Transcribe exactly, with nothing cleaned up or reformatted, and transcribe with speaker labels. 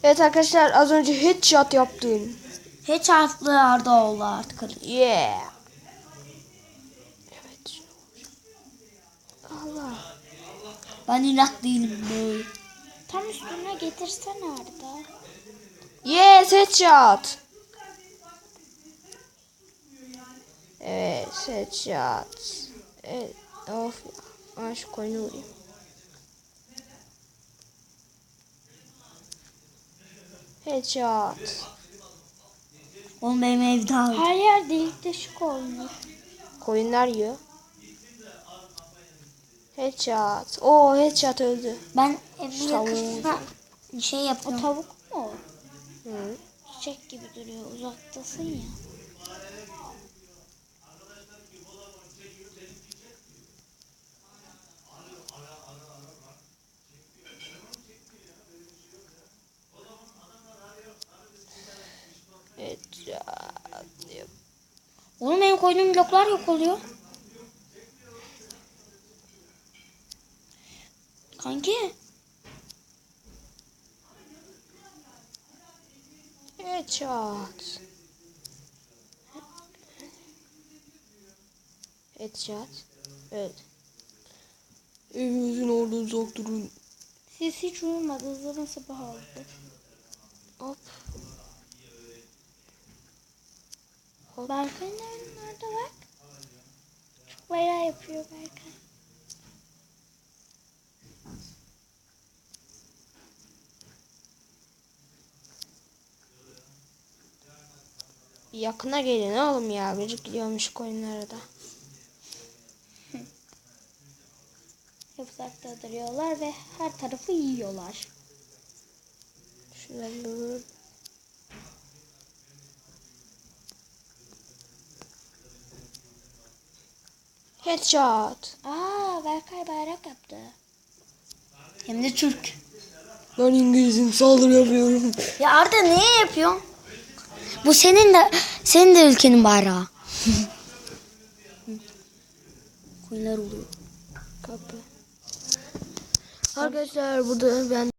Speaker 1: Evet arkadaşlar, az önce headshot yaptım.
Speaker 2: Headshot'lı Arda oldu artık.
Speaker 1: Yeah. Evet. Allah.
Speaker 2: Ben inat değilim böyle.
Speaker 3: Tam üstüne getirsene Arda.
Speaker 1: Yes, headshot. Evet, headshot. Evet, of ya. Ben şu koyunu vurayım. Headshot.
Speaker 2: Oğlum benim evde aldı.
Speaker 3: Her yer delik deşik olmuş.
Speaker 1: Koyunlar yiyor. Headshot. Oo, headshot öldü.
Speaker 2: Ben evin
Speaker 1: Tavuğu.
Speaker 2: yakasına şey
Speaker 3: O
Speaker 2: yapıyorum.
Speaker 3: tavuk mu?
Speaker 1: Hı.
Speaker 3: Çiçek gibi duruyor. Uzaktasın ya.
Speaker 1: Headshot.
Speaker 2: Oğlum benim koyduğum bloklar yok oluyor. Kanki.
Speaker 1: Headshot. Headshot. Evet. Evimizin orada uzak durun.
Speaker 3: Siz hiç uyumadı. Zaman sabah oldu.
Speaker 1: Hop.
Speaker 3: Berkay'ın evinin orada bak. Çok bayrağı yapıyor Berkay.
Speaker 1: Bir yakına gelin oğlum ya. Gıcık gidiyormuş koyunlara da.
Speaker 3: Hep uzakta duruyorlar ve her tarafı yiyorlar.
Speaker 1: Şunları vur. Headshot.
Speaker 3: Aa, Berkay bayrak yaptı.
Speaker 2: Hem de Türk.
Speaker 1: Ben İngiliz'im, saldırı yapıyorum.
Speaker 2: Ya Arda niye yapıyorsun? Bu senin de senin de ülkenin bayrağı. Koyunlar oluyor.
Speaker 1: Kapı. Arkadaşlar burada ben